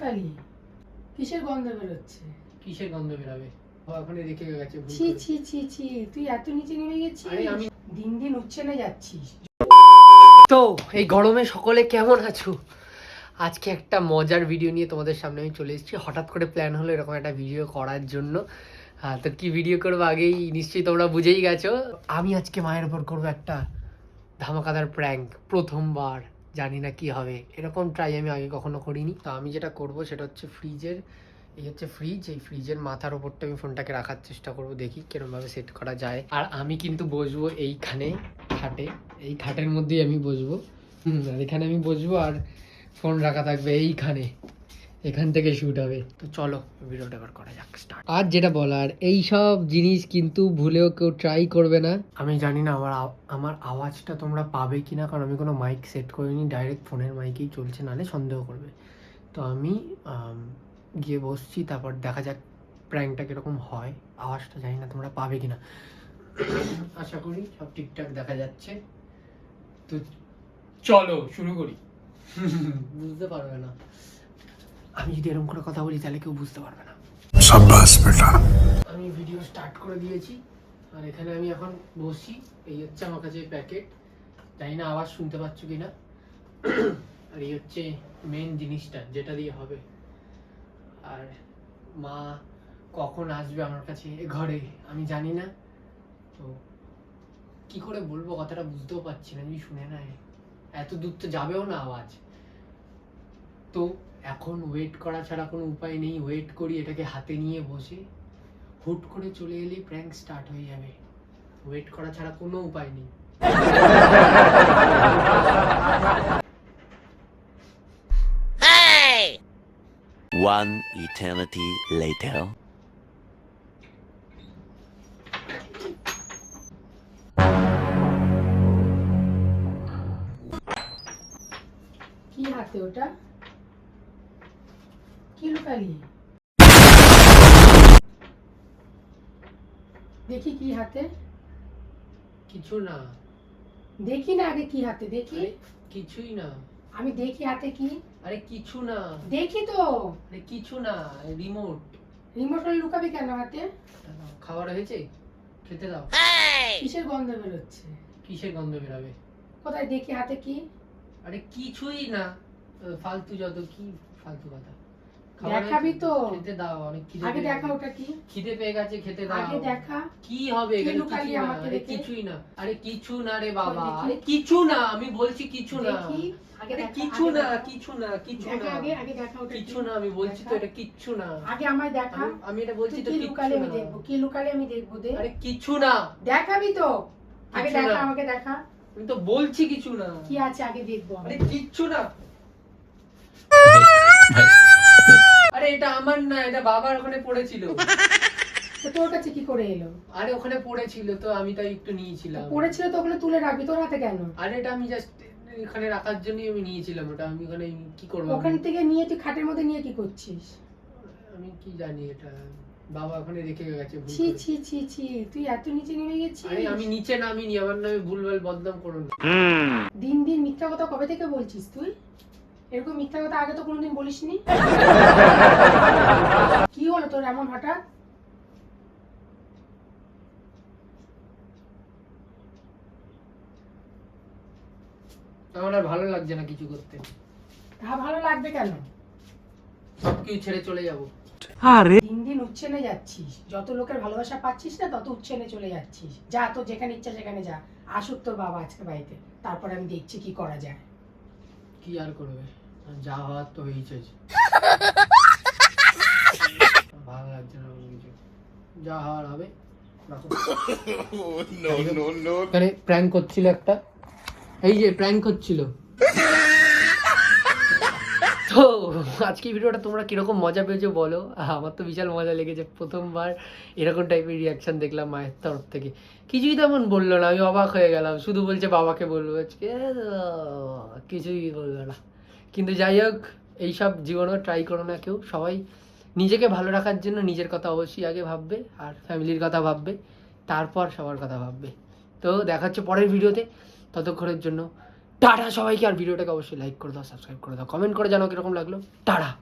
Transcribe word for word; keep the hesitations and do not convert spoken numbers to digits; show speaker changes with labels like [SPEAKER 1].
[SPEAKER 1] লুকালি? কিসের গন্ধ বেরোচ্ছে?
[SPEAKER 2] কিসের গন্ধ বেরাবে? ওখানে রেখে গেছে।
[SPEAKER 1] ছি ছি ছি ছি, তুই এত নিচে নেমে গেছিস?
[SPEAKER 2] আরে আমি
[SPEAKER 1] দিন দিন উচ্ছেনে যাচ্ছিস।
[SPEAKER 2] তো এই গরমে সকলে কেমন আছো? আজকে একটা মজার ভিডিও নিয়ে তোমাদের সামনে আমি চলে এসেছি। হঠাৎ করে প্ল্যান হলো এরকম একটা ভিডিও করার জন্য। হ্যাঁ, তো কি ভিডিও করবো আগেই নিশ্চয়ই তোমরা বুঝেই গেছো। আমি আজকে মায়ের উপর করবো একটা ধামাকাদার প্র্যাঙ্ক। প্রথমবার, জানি না কি হবে, এরকম ট্রাই আমি আগে কখনো করিনি। তো আমি যেটা করব সেটা হচ্ছে ফ্রিজের, এই হচ্ছে ফ্রিজ, এই ফ্রিজের মাথার ওপরটা আমি ফোনটাকে রাখার চেষ্টা করব, দেখি কিরমভাবে সেট করা যায়। আর আমি কিন্তু বসবো এইখানে খাটে, এই খাটের মধ্যেই আমি বসবো। হুম, আর এখানে আমি বসবো আর ফোন রাখা থাকবে এইখানে, এখান থেকে শুট হবে। তো চলো ভিডিওটা এবার করা যাক, স্টার্ট। আর যেটা বলার, এই সব জিনিস কিন্তু ভুলেও কেউ ট্রাই করবে না। আমি জানি না আমার আমার আওয়াজটা তোমরা পাবে কিনা, কারণ আমি কোনো মাইক সেট করিনি, ডাইরেক্ট ফোনের মাইকেই চলছে, নাহলে সন্দেহ করবে। তো আমি গিয়ে বসছি, তারপর দেখা যাক প্র্যাঙ্কটা কিরকম হয়। আওয়াজটা জানি না তোমরা পাবে কিনা, আশা করি সব ঠিকঠাক দেখা যাচ্ছে। তো চলো শুরু করি। বুঝতে পারবে না, আমি যদি এরকম করে কথা বলি তাহলে কেউ বুঝতে পারবে না। শাবাশ বেটা। আমি ভিডিও স্টার্ট করে দিয়েছি, আর এখানে আমি এখন বসি। এই হচ্ছে আমার কাছে প্যাকেট, জানি না আওয়াজ শুনতে পাচ্ছ কিনা। আর এই হচ্ছে মেন জিনিসটা যেটা দিয়ে হবে। আর মা কখন আসবে আমার কাছে ঘরে আমি জানি না, তো কি করে বলবো কথাটা বুঝতেও পারছি না। যদি শুনে নেয়, এত দূর তো যাবেও না আওয়াজ। তো এখন ওয়েট করা ছাড়া কোনো উপায় নেই। ওয়েট করি, এটাকে হাতে নিয়ে বসে। হুট করে চলে এলেই প্র্যাঙ্ক স্টার্ট হয়ে যাবে। ওয়েট করা ছাড়া কোনো উপায় নেই।
[SPEAKER 3] One eternity later.
[SPEAKER 1] কি হাতে ওটা? কি লুকালি? দেখি কি হাতে।
[SPEAKER 2] কিছু না।
[SPEAKER 1] দেখি না আগে কি হাতে, দেখি।
[SPEAKER 2] আরে কিছুই না।
[SPEAKER 1] আমি দেখি হাতে কি।
[SPEAKER 2] আরে কিছু না।
[SPEAKER 1] দেখি তো।
[SPEAKER 2] আরে কিছু না, রিমোট।
[SPEAKER 1] রিমোট লুকাবি কেন হাতে?
[SPEAKER 2] খাবার হয়েছে, খেতে দাও।
[SPEAKER 1] কিসের গন্ধ বেরোচ্ছে?
[SPEAKER 2] কিসের গন্ধ বেরাবে?
[SPEAKER 1] কোথায় দেখি হাতে কি?
[SPEAKER 2] আরে কিছুই না, ফালতু যত, কি ফালতু কথা।
[SPEAKER 1] দেখাবি তো।
[SPEAKER 2] খেতে দাও, অনেক খিদে।
[SPEAKER 1] আগে দেখা ওটা কি।
[SPEAKER 2] খিদে পেয়ে গেছে, খেতে দাও।
[SPEAKER 1] আগে দেখা।
[SPEAKER 2] কি হবে
[SPEAKER 1] কি
[SPEAKER 2] এখানে?
[SPEAKER 1] লুকালি
[SPEAKER 2] কিছু না।
[SPEAKER 1] আমাকে
[SPEAKER 2] আরে
[SPEAKER 1] দেখে?
[SPEAKER 2] কিছুই না। আরে কিছু না রে বাবা,
[SPEAKER 1] দেখি।
[SPEAKER 2] আরে কিছু না, আমি বলছি কিছু না।
[SPEAKER 1] দেখি আগে
[SPEAKER 2] আরে
[SPEAKER 1] দেখা,
[SPEAKER 2] কিছু
[SPEAKER 1] আগে
[SPEAKER 2] না,
[SPEAKER 1] দেখা।
[SPEAKER 2] কিছু না, কিছু
[SPEAKER 1] দেখা
[SPEAKER 2] না।
[SPEAKER 1] আগে, আগে দেখা ওটা
[SPEAKER 2] কিছু
[SPEAKER 1] কি।
[SPEAKER 2] না, আমি বলছি তো
[SPEAKER 1] দেখা।
[SPEAKER 2] এটা কিচ্ছু না।
[SPEAKER 1] আগে আমায় দেখা।
[SPEAKER 2] আমি- আমি এটা বলছি
[SPEAKER 1] তুই
[SPEAKER 2] তো
[SPEAKER 1] কি
[SPEAKER 2] কিচ্ছু
[SPEAKER 1] লুকালে আমি
[SPEAKER 2] না।
[SPEAKER 1] দেখবো, কি লুকালে আমি দেখবো দে।
[SPEAKER 2] আরে কিছু না।
[SPEAKER 1] দেখাবি তো। আগে
[SPEAKER 2] কিছু
[SPEAKER 1] দেখা,
[SPEAKER 2] না।
[SPEAKER 1] আমাকে দেখা।
[SPEAKER 2] আমি তো বলছি কিছু না।
[SPEAKER 1] কি আছে আগে দেখবো আমি।
[SPEAKER 2] আরে কিচ্ছু না। আরে এটা আমার না, এটা বাবার ওখানে পড়েছিল।
[SPEAKER 1] তো তোর কাছে কি করে এলো?
[SPEAKER 2] আরে ওখানে পড়েছিল, তো আমি তাই একটু নিয়েছিলাম।
[SPEAKER 1] পড়েছিল তো ওগুলো তুলে রাখবি, তোর হাতে কেন?
[SPEAKER 2] আরে এটা আমি জাস্ট এখানে রাখার জন্যই আমি নিয়েছিলাম ওটা। আমি ওখানে কি করবো? আমি-
[SPEAKER 1] ওখান থেকে নিয়ে তুই খাটের মধ্যে নিয়ে কি করছিস?
[SPEAKER 2] আমি কি জানি, এটা বাবা ওখানে রেখে গেছে ভুল
[SPEAKER 1] ছি
[SPEAKER 2] করে।
[SPEAKER 1] ছি ছি ছি, তুই এত নিচে নেমে গেছিস?
[SPEAKER 2] আরে আমি নিচে নামিনি, আমার নামে ভুলভাল বদনাম করো না।
[SPEAKER 1] দিন দিন মিথ্যা কথা কবে থেকে বলছিস তুই? এরকম মিথ্যা কথা আগে তো কোনোদিন বলিসনি। কি হলো তোর এমন হঠাৎ?
[SPEAKER 2] আমার আর ভালো লাগছে না কিছু করতে।
[SPEAKER 1] তা ভালো লাগবে কেন?
[SPEAKER 2] সবকিছু ছেড়ে চলে যাবো।
[SPEAKER 1] দিন দিন উচ্ছেনে যাচ্ছিস, যত লোকের ভালোবাসা পাচ্ছিস না তত উচ্ছেনে চলে যাচ্ছিস। যা, তোর যেখানে ইচ্ছা সেখানে যা। আসুক তোর বাবা আজকে বাড়িতে, তারপর আমি দেখছি কি করা যায়।
[SPEAKER 2] কি আর করবে, যা হওয়ার তো হয়েছে। ভালো লাগছে না কোনো কিছু, যা হওয়ার হবে। এখানে প্র্যাঙ্ক করছিল একটা, এই যে প্র্যাঙ্ক করছিল। তো আজকে ভিডিওটা তোমরা কিরকম মজা পেয়েছো বলো। আমার তো বিশাল মজা লেগেছে, প্রথমবার এরকম টাইপের রিয়াকশন দেখলাম মায়ের তরফ থেকে। কিছুই তেমন বললো না, আমি অবাক হয়ে গেলাম। শুধু বলছে বাবাকে বলবো, আজকে কিছুই বললো না। কিন্তু যাই হোক, এইসব জীবনেও ট্রাই করো না কেউ। সবাই নিজেকে ভালো রাখার জন্য নিজের কথা অবশ্যই আগে ভাববে, আর ফ্যামিলির কথা ভাববে, তারপর সবার কথা ভাববে। তো দেখা হচ্ছে পরের ভিডিওতে, ততক্ষণের জন্য টাটা সবাইকে। আর ভিডিওটাকে অবশ্যই লাইক করে দাও, সাবস্ক্রাইব করে দাও, কমেন্ট করে জানাও কিরকম লাগলো। টাটা।